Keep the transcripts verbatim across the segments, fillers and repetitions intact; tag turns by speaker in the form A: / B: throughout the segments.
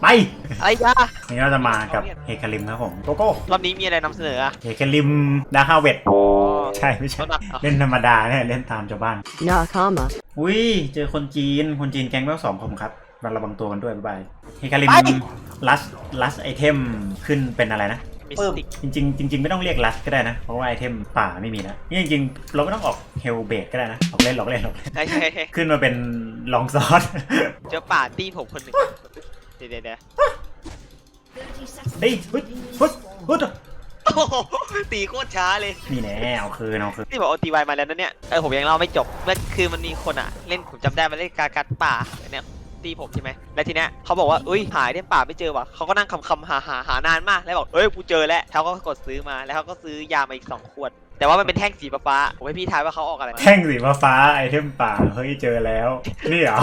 A: ไป
B: อะไรจ้า
A: นี่เราจะมากับเฮคาริมครับผมโกโก้
B: รอบนี้มีอะไรนำเสนออะ
A: เฮคาริมดาฮาเวต
B: อ๋อ
A: ใช่ไม่ใช่เล่นธรรมดาเนี่ยเล่นตามชาวบ้านนาคามาอุ้ยเจอคนจีนคนจีนแก๊งแววสองผมครับมาระวังตัวกันด้วยบ๊ายบายเฮคาริมลัสลัสไอเทมขึ้นเป็นอะไรนะจริงจริงจริงๆไม่ต้องเรียกลัสก็ได้นะเพราะว่าไอเทมป่าไม่มีแล้วนี่จริงๆเราไม่ต้องออกเฮลเบดก็ได้นะออกเล่นหลอกเล่นหลอกเล่นขึ้นมาเป็นลองซอส
B: เจอป่าตีผมคนหนึ่งเดี๋ยวเดี๋ยว
A: เฮ้ยฮึดฮึดฮึด
B: ตีโคตรช้าเลย
A: นี่แน่เอาคืนเอาคืน
B: ที่บอกโอตีวายมาแล้วนะเนี่ยเออผมยังเล่าไม่จบเมื่อคือมันมีคนอ่ะเล่นผมจำได้มาเล่นกากัดป่าเนี่ยตีผมใช่ไหมแล้วทีเนี้ยเขาบอกว่าอุ้ยหายเนี่ยป่าไม่เจอว่ะเขาก็นั่งคำคำหาหาหานานมากแล้วบอกเอ้ยกูเจอแล้วเขาก็กดซื้อมาแล้วเขาก็ซื้อยามาอีกสองขวดแต่ว่ามันเป็นแท่งสีฟ้าผมให้พี่ทายว่าเขาออกอะไร
A: แท่งสีฟ้าไอเทมป่าเฮ้ยเจอแล้วนี่เหรอ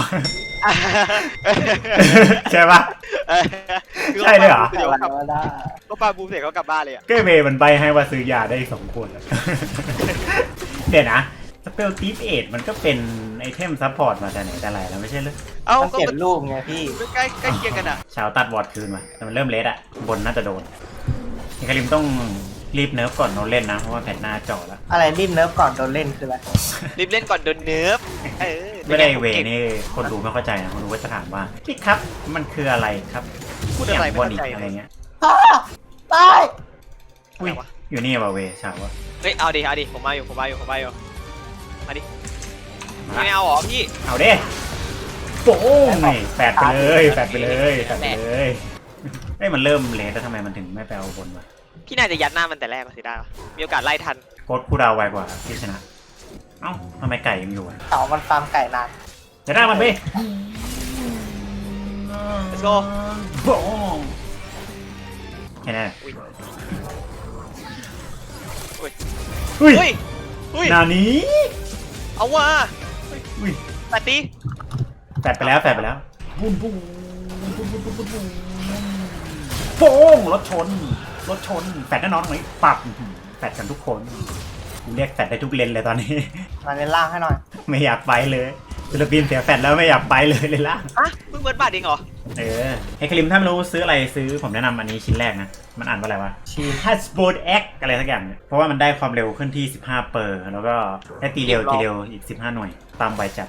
A: ใช่ปะใช่เลยเหรอ
B: ก็ปลาบูเสร็จก็กลับบ้านเลยอ่ะ
A: ก็เมย์มันใบให้ว่าซื้อยาได้สองขวดเดี๋ยวนะสเปลตีฟเอทมันก็เป็นไอเทมซัพพอร์ตมาแต่ไหนแต่ไรแล้วไม่ใช่หรือ
B: เอ้า
C: ก็เก็บรูปไงพี่
B: ใกล้ใกล้เคียงกันอ่ะ
A: ชาวตัดวอร์ดคืนมาแต่มันเริ่มเลสอ่ะบนน่าจะโดนเฮคาริมต้องรีบเนิร์ฟก่อนโดนเล่นนะเพราะว่าแผ่นหน้าจ่อแล้ว
C: อะไรรีบเนิร์ฟก่อนโดนเล่นคืออะไร
B: รีบเล่นก่อนโดนเนิร์ฟ
A: ไม่ได้เวนี่คนดูไม่เข้าใจนะคนดูก็จะถามว่าพี่ครับมันคืออะไรครับ
B: พูดอะไรไม่เข้าใจ
A: อะไรเงี้ย
C: ตาย
A: อุ้ยอยู่นี่ว่ะเวชาวะ
B: เฮ้ยเอาดิเอาดิผมมาอยู่ผมมาอยู่ผมมาอยู่มาดิไม่เอาหรอพี่
A: เอาเด้โป้งไงแปดไปเลยแปดไปเลยแปดไปเลยเอ้ยมันเริ่มเลสแล้วทำไมมันถึงไม่ไปเอาบนวะ
B: พี่น่าจะยัดหน้ามันแต่แรกก็สิได้มีโอกาสไล่ทัน
A: โค้ดผู้ดาวไวกว่าพี่ชนะเอ้าทำไมไก่ยังอยู่อ่ะ
C: เต่ามันฟาร์มไก่นาน
A: จะได้มันไป
B: let's go
A: โป้งแค่นั้น
B: อุ้ย
A: อุ้ยอุ้ยนานี้
B: เอาว่ะ
A: อุ้ย
B: แปดตี
A: แปดไปแล้วแปดไปแล้วปุ้นปุ้นปุ้นปุ้นปุ้นปุ้นปุ้นโป้งรถชนรถชนแฟดแน่นอนตรงนี้ปับแฟดกันทุกคนเรียกแฟดได้ทุกเลนเลยตอนนี้
C: มาเลนล่างให้หน่อย
A: ไม่อยากไปเลยศิลปินเสียแฟดแล้วไม่อยากไปเลยเลยล่าง
B: อ่ะเพิ่งเบิร์ดบาทเองเหรอ
A: เออเฮคาริมถ้าไม่รู้ซื้ออะไรซื้อผมแนะนำอันนี้ชิ้นแรกนะมันอ่านว่าอะไรวะชีฮัสโบดเอ็กอะไรสักอย่างเพราะว่ามันได้ความเร็วขึ้นที่สิบห้าเปอร์แล้วก็ได้ตีเร็วตีเร็วอีกสิบห้าหน่วยตามใบจัด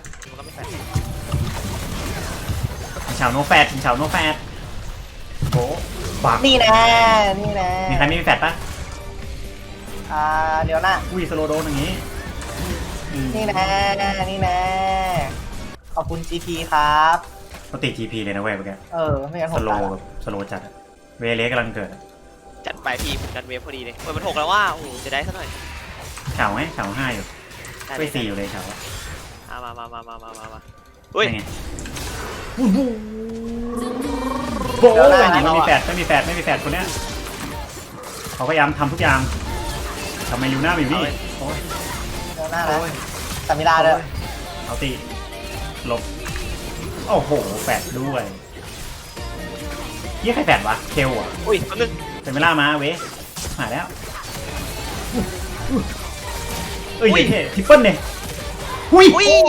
A: ชาวโนแฟดชาวโนแฟดโอ้บัก
C: นี่แน่นี่แน่
A: มีใครไม่มีแฟดปะ
C: อ่าเดี๋ยวนะ
A: อุ้ยสโลโดนอย่างนี้
C: นี่แน่นี่แน่ขอบคุณ จี พี ครับ
A: เขาติด จี พี เลยนะเว้ยเมื่อกี้
C: เออไม่งั้นผม
A: สโลแบบสโลจัดเวเลสกำลังเกิด
B: จัดไปพี่ผมดันเวฟพอดีเลยเปิดมันหกแล้วว่าโอ้จะได้สักหน่อย
A: เฉาไหมเฉาห้าอยู่ไม่สี่อยู่เลยเฉา
B: มามามามามามามาเฮ้ย
A: บูบูโบ้ไม่มีแฟดไม่มีแฟดไม่มีแฟดคนเนี้ยเขาพยายามทำทุกอย่างทำไมลิวหน้าอยู่นี่
C: โอ้ยเดี๋ยวหน้าเลยสามิลาเลย
A: เอาตีหลบโอ้โหแฟดด้วยยี่ใครแฟดวะเคลอ่ะ
B: อุ้ยคนนึง
A: เป็นเวลามาเว้ยหายแล้วเอ้ยเท่ทริปเปิลเนี่ยหุ้ย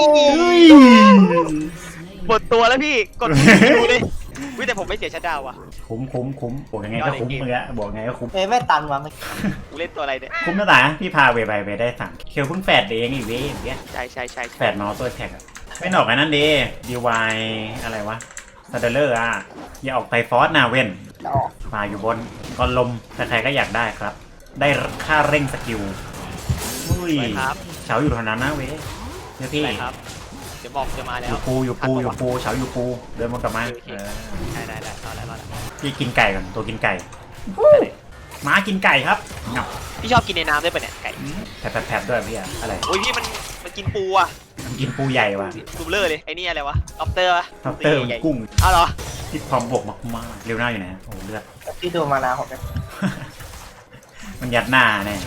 B: หมดตัวแล้วพี่กดดูดิวิแต่ผมไม่เสียชัดดาวอ่ะ
A: คุ้มคุ้มคุ้มบอกยังไงก็คุ้มเมื่อกี้บอกไงก็คุ้ม
C: เอ้ไม่ตันวะ
B: กูเล่นตัวอะไรเนี่ย
A: คุ้มนะตาพี่พาเวไปไปได้สั่งเคลเพิ่งแฟดเองอีกเว้ยอย่างเงี้ย
B: ใช่ใช่ใช่
A: แฟดนอตัวแท็กอะไม่หนอกไอ้นั่นดีดีวายอะไรวะซาเดเลอร์อ่ะอย่าออกไตฟอสนาเว่นมาอยู่บนก้อนลมแต่ใครก็อยากได้ครับได้ค่าเร่งสกิลอุ้ยเฉาอยู่เท่านั้นนะเว้ยเดี๋ยวพี่
B: เดี๋ยวบอกจะมาแล้ว
A: อยู่ปูอยู่ปูอยู่ปูเฉาอยู่ปูเดินมากลับมา
B: ได้ได้ได้รอแล้วรอแล้ว
A: พี่กินไก่ก่อนตัวกินไก่ม้ากินไก่ครับ
B: พี่ชอบกินในน้ำด้วยปะเนี่ยไก่
A: แผลแผลด้วยพี่อะอะไร
B: โอ้ยพี่มันมันกินปูอ่ะ
A: มันกินปูใหญ่ว่ะ
B: ดูเลอร์เลยไอ้นี่อะไรวะล็อบเตอร์ปะ
A: ล็อบเตอร์กุ้ง
B: อ้าวเหรอ
A: ที่พร้อมบวกมากๆเร็วหน้าอยู่ไหนโอ้เลือด
C: พี่ดูมานาผม
A: มันยัดหน้าแน่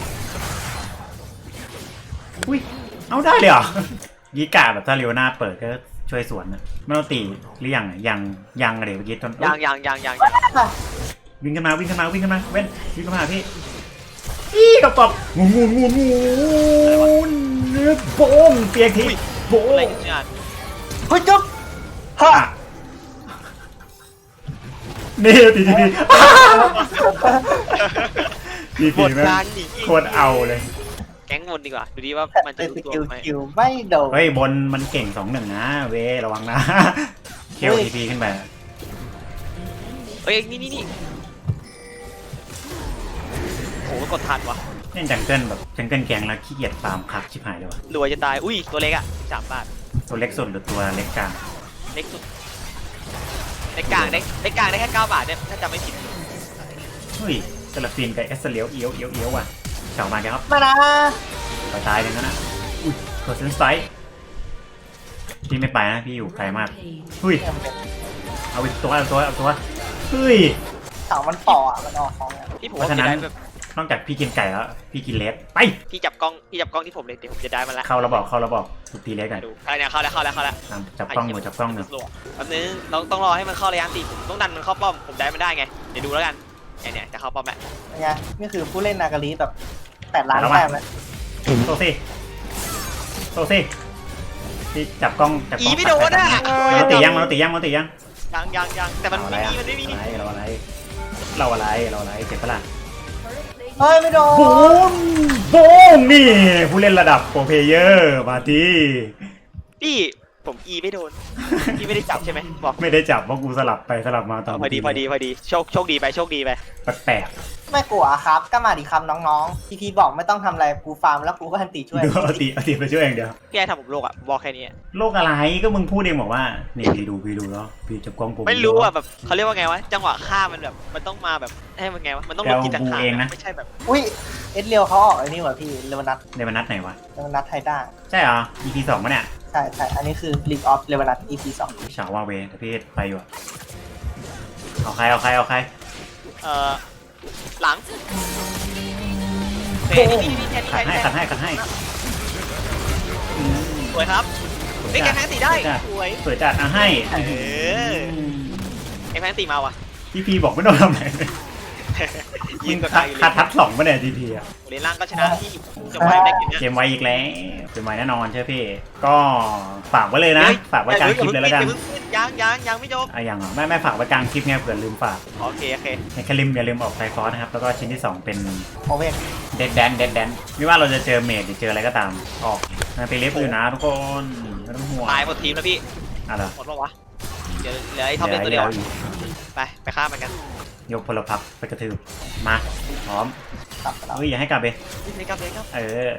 A: อุ้ยเอาได้เลยเหรอยีกาแบบถ้าเร็วหน้าเปิดก็ช่วยสวนนะไม่ต้องตีหรือยังยังยังอะไรเมื่อกี้ตอน
B: ยังยังยังยัง
A: วิ่งขึ้นมาวิ่งขึ้นมาวิ่งขึ้นมาเว้นวิ่งขึ้นมาพี่อีกระป๋องงูงูงูงูเนื้อโป่งเปียกทีโป่ง
B: อะไรกันเนี่ย
C: เฮ้ยจุ๊บฮะ
A: นี่ทีทีพีที
B: หม
A: พี
B: ด
A: แม่ง
B: การหนี
A: โคตรเอาเลย
B: แก๊งหมดดีกว่าดูดิว่ามันจะ
C: เป็น
B: รู้
C: ส
B: ตัว
C: กิล
B: ไหม
C: คิวไม่โดน
A: เฮ้ยบนมันเก่งสองหนึ่งนะเวระวังนะเคลทีพีขึ้นไป
B: เอ้ยนี่นี่นี่โหกดทันวะ
A: เล่นจังเกิลแบบจังเกิลแกงแล้วขี้เกียจฟาร์มคักชิบหายเลยวะ
B: รวยจะตายอุ้ยตัวเล็กอ่ะสามบาท
A: ตัวเล็กสุดหรือตัวเล็กกลาง
B: เล็กสุดเล็กกลางได้เล็กกลางได้แค่เก้าบาทเนี่ยถ้าจำไม่ผิด
A: เฮ้ยเซลฟินกับเอสเลียวเอียวเอียวเอียวว่ะเฉามาแกครับ
C: มานะ
A: ตายตายเลยนะนะอุ้ยกดเซนไซส์พี่ไม่ไปนะพี่อยู่ไกลมากเฮ้ยเอาอีกตัวเอาตัวเอาตัวเฮ้ย
C: เสามันต่ออ่ะมันออกของอ่ะ
B: ที่ผม
A: เพราะ
B: ว่า
A: ฉะ
B: จะ
A: นั้น
B: ได้แบบ
A: นอกจากพี่กินไก่แล้วพี่กินเลสไป
B: พี่จับกล้องพี่จับกล้องที่ผมเลยเดี๋ยวผมจะได้มาละ
A: เข้าระบอกเข้าระบอกถูกตีเลสกัน
B: ดูอะไรเนี่ยเข้าแล้วเข้าแล้วเข้าแล้ว
A: ตามจับกล้องหนูจับกล้องหนู
B: แป๊บนึงเราต้องรอให้มันเข้าระยะตีผมต้องดันมันเข้าป้อมผมได้มันได้ไงเดี๋ยวดูแล้วกันเนี่ยเนี่ยจะเข้าป้อมแล้ว
C: เป็นไงนี่คือผู้เล่นนากาลีแบบแปดล้านแต้มแล้ว
A: โซซี่โซซี่พี่จับกล้องจับก
B: อี
A: ล้อง
B: ไม่โดนอ่ะ
A: มันตียังมันตียังมันตียัง
B: ยังยังยังแต่มัน
A: เอาอะไร
B: ไม่
A: อะ
B: มีมันไม่มี
A: เราอะไรเราอะไรเราอะไรเจ็บปะล่ะ
C: เฮ้ยไม่โดน
A: บูมบูมนี่ผู้เล่นระดับโปรเพลเยอร์มาที
B: พี่ผมอีไม่โดนพี่ไม่ได้จับใช่ไหมบอก
A: ไม่ได้จับเพราะกูสลับไปสลับมาตอน
B: พอดีพอดีพอดีโชคโชคดีไปโชคดีไป
A: แปลก
C: ไม่กลัวครับก็มาดิคำน้องๆพีพีบอกไม่ต้องทำอะไรกูฟาร์มแล้วกูก็ทันตีช่วย
A: ๆดูเอาตีเอาตีไปช่วยอย่างเดียว
B: พี่ไอ้ทำผมโลกอ่ะบอกแค่นี้
A: โลกอะไรก็มึงพูดเองบอกว่านี่พี่ดูพี่ดูแล้วพี่จับกล้องผม
B: ไม่รู้อ่ะแบบเขาเรียกว่าไงวะจังหวะฆ่ามันแบบมันต้องมาแบบให้มันไงวะมันต้องลงจิตสังขารไม่ใช่แบบ
C: อุ้ยเอสเรียวเขาออกไอ้นี่ว่ะพี่เลวนัท
A: ในวันนัดไหนวะ
C: เลวนัทไทด้า
A: ใช่เหรอ อี พี สองปะเนี่ย
C: ใช่ใช่อันนี้คือ League of เลวนัท อี พี สอง
A: ฉาวาเวแต่พี่ไปอยู่อะเอาใครเอาใครเอาใคร
B: เอ่อหลังเฮ้ยนี่นี่แค่นี้
A: ขัด
B: แค่
A: ให้
B: นี้
A: ขัดให้ขัดให้อืม
B: สวยครับ
A: สวย
B: ไม่แก
A: จัด
B: แพนตีได้สวย
A: สวยจัดอ่ะให้
B: เออไอแพนตีมาว่ะ
A: ทีพีบอกไม่ต้องทำอะไรเลย
B: ยิ
A: ยิ
B: ง
A: ง
B: กับ
A: คั
B: ใคร
A: ด
B: เลย
A: คัดทัดสองปะเนี่ยทีพีอ่ะ
B: เลนล่างก็ชนะที่จะไว้ได้กินนะ
A: เกมไวอีกแล้วเกมไวแน่นอนเชื่อพี่ ก็ฝากไว้เลยนะ ฝากไว้กลางคลิปเลยแล้วกัน
B: ยังยังยังไม่จบ
A: อ่ะอย่างเหรอไม่ไม่ฝากไว้กลางคลิปไงเผื่อลืมฝาก
B: โอเคโอเค
A: ในแคลิมอย่าลืมออกไซฟอสนะครับ แล้วก็ชิ้นที่สองเป็น
C: โอเว่น
A: เดดแดนเดดแดนไม่ว่าเราจะเจอเมดหรือเจออะไรก็ตาม ออกนะไปเล็บอยู่นะทุกคนไม่ต้องห่วง
B: ตายหมดทีมแล้วพี่
A: อะไร
B: หมดปะวะเดี๋ยวเหลือไอ้ท็อปเป็นตัวเดียวไปไปฆ่ามันกัน
A: ยกพลพักไปกระทืบมาพร้อม
C: กลับไปแล้ว
A: เฮ้ยอย่าให้กลับไป
B: เลยครับเลยครับ
A: เออ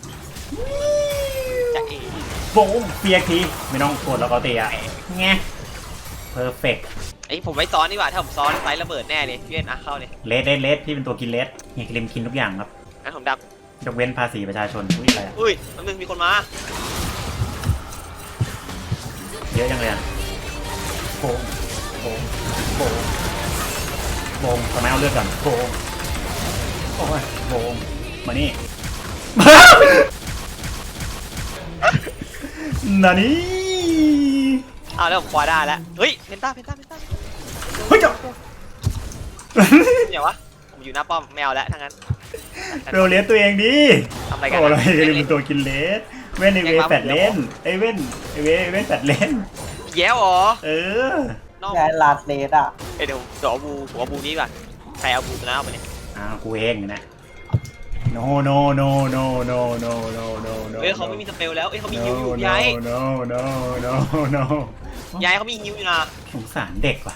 B: จะเอ๋
A: โบงเปียกทีไม่ต้องกดแล้วก็เตะอะแงเพอร์เฟกต์
B: ไอ้ผมไม่ซ้อนดีกว่าถ้าผมซ้อนไฟระเบิดแน่เลยพี่เอ็นอ่ะเข้าเลย
A: เลสเลสเลสพี่เป็นตัวกินเลสเฮียคลิมกินทุกอย่างครับ
B: งั้นผมดับ
A: ยกเว้นภาษีประชาชนอุ้ยอะไรอะ
B: อุ้ยมันมึงมีคนมา
A: เยอะจังเลยอะโบงโบงโบงโบงทำไมเอาเลือดก่อนโบงโอ้ยโบงมานี่ นานี่
B: อ้าวแล้วผมควาได้แล้วเฮ้ยเพนต้าเพนต้าเพนต้า
A: เฮ้ยเจ้า
B: เดี๋ยววะผมอยู่หน้าป้อมแมวแล้วทั้งนั้น
A: เรเลสตัวเองดิ
B: ทำอะไรกัน
A: โอ้ยก็เป็นตัวกินเลสเว้นไอเวแปดเลนไอเว้นไอเวเว้นแปดเลน
B: แย้วเหรอ
A: เออ
B: น้อง
C: ยายลาดเลสอ่ะ
B: เดี๋ยวเดี๋ยวเอาบูหัวบูนี้ก่อนใครเอาบูตัวนั้นเอาไปเนี่ย
A: อ้าวกูเองนะ no no no no no no no no no
B: เฮ้ยเขาไม่มีสเปลแล้วเอ้ยเขามีฮิวอยู่ย้าย
A: no no no no
B: ย้ายเขามีฮิวอยู่นะ
A: สงสารเด็กว่ะ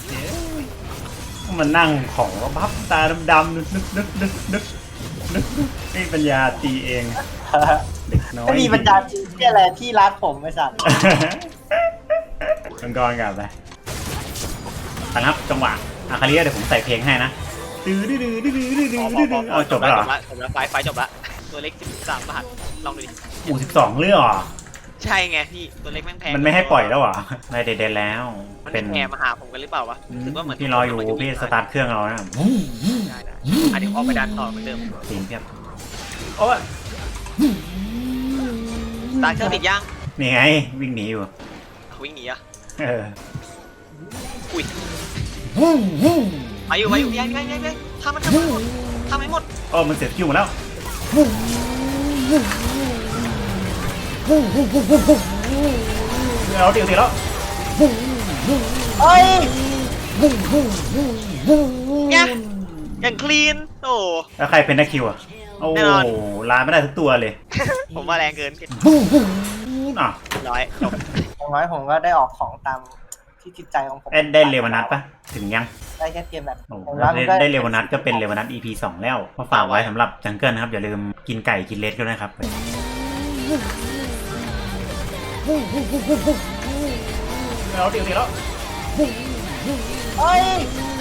A: มันนั่งของบับตาดำๆนึกนึกนึกนึกนึกนึกไม่ปัญญาตีเองเด็กน้อย
C: ไม่มีบรรดาจีที่อะไรที่รัดผมไม่สั่น
A: มังกรกลับไปไปครับจังหวะอาคาเรียเดี๋ยวผมใส่เพลงให้นะดื้อดื้อดื้อดื้อดื้อดื้อดื้อดื้อเอาจบแล้วเหรอ
B: จบแล้วไฟไฟจบแล้วตัวเล็กสิบสามบาทลองดูดิ
A: อูสิบสองเรื่องเหรอ
B: ใช่ไงพี่ตัวเล็กแม่งแพง
A: มันไม่ให้ปล่อยแล้วเหรอไม่เด็ดๆแล้ว
B: มัน
A: เป็น
B: แพงมาหาผมกันหรือเปล่าวะรู้สึกว่าเหมือน
A: พี่รออยู่พี่สตาร์ทเครื่องเรานะ
B: ได้ได้อ่ะเดี๋ยวออกไปดันต่อเหมือนเดิม
A: ตีนเพียบโอ้ย
B: สตาร์ทเครื่องติดยัง
A: นี่ไงวิ่งหนีอยู่
B: วิ่งหนีอ่ะ
A: เออ
B: อุ้ยมาอยู่มาอยู่ยังยังยังยังทำมันทำมันหมดทำให้หมด
A: โอ้มันเสียคิวหมดแล้วเอาตีตีแล้ว
C: เฮ้ย
B: เนี่ยอย่างคลีนโอ้
A: แล้วใครเป็นนักคิวอ่ะโอ้
B: แน่นอน
A: ลาไม่ได้ทุกตัวเลย
B: ผมว่าแรงเกิน
A: อ่ะ
B: ร้อยจบ
C: อย่างน้อยผมก็ได้ออกของตามที่จิตใจของผม
A: ได้ได้เลวานัทปะถึงยัง
C: ได้แค่เกมแบบ
A: โอ้
C: ผม
A: ได้
C: ว่ามันก็
A: ได้เลวานัทก็เป็นเลวานัท อี พี สองแล้วมาฝากไว้สำหรับจังเกิลนะครับอย่าลืมกินไก่กินเลสด้วยนะครับแล้วเดี๋ยวเดี๋ยวแล้ว
C: เฮ้ย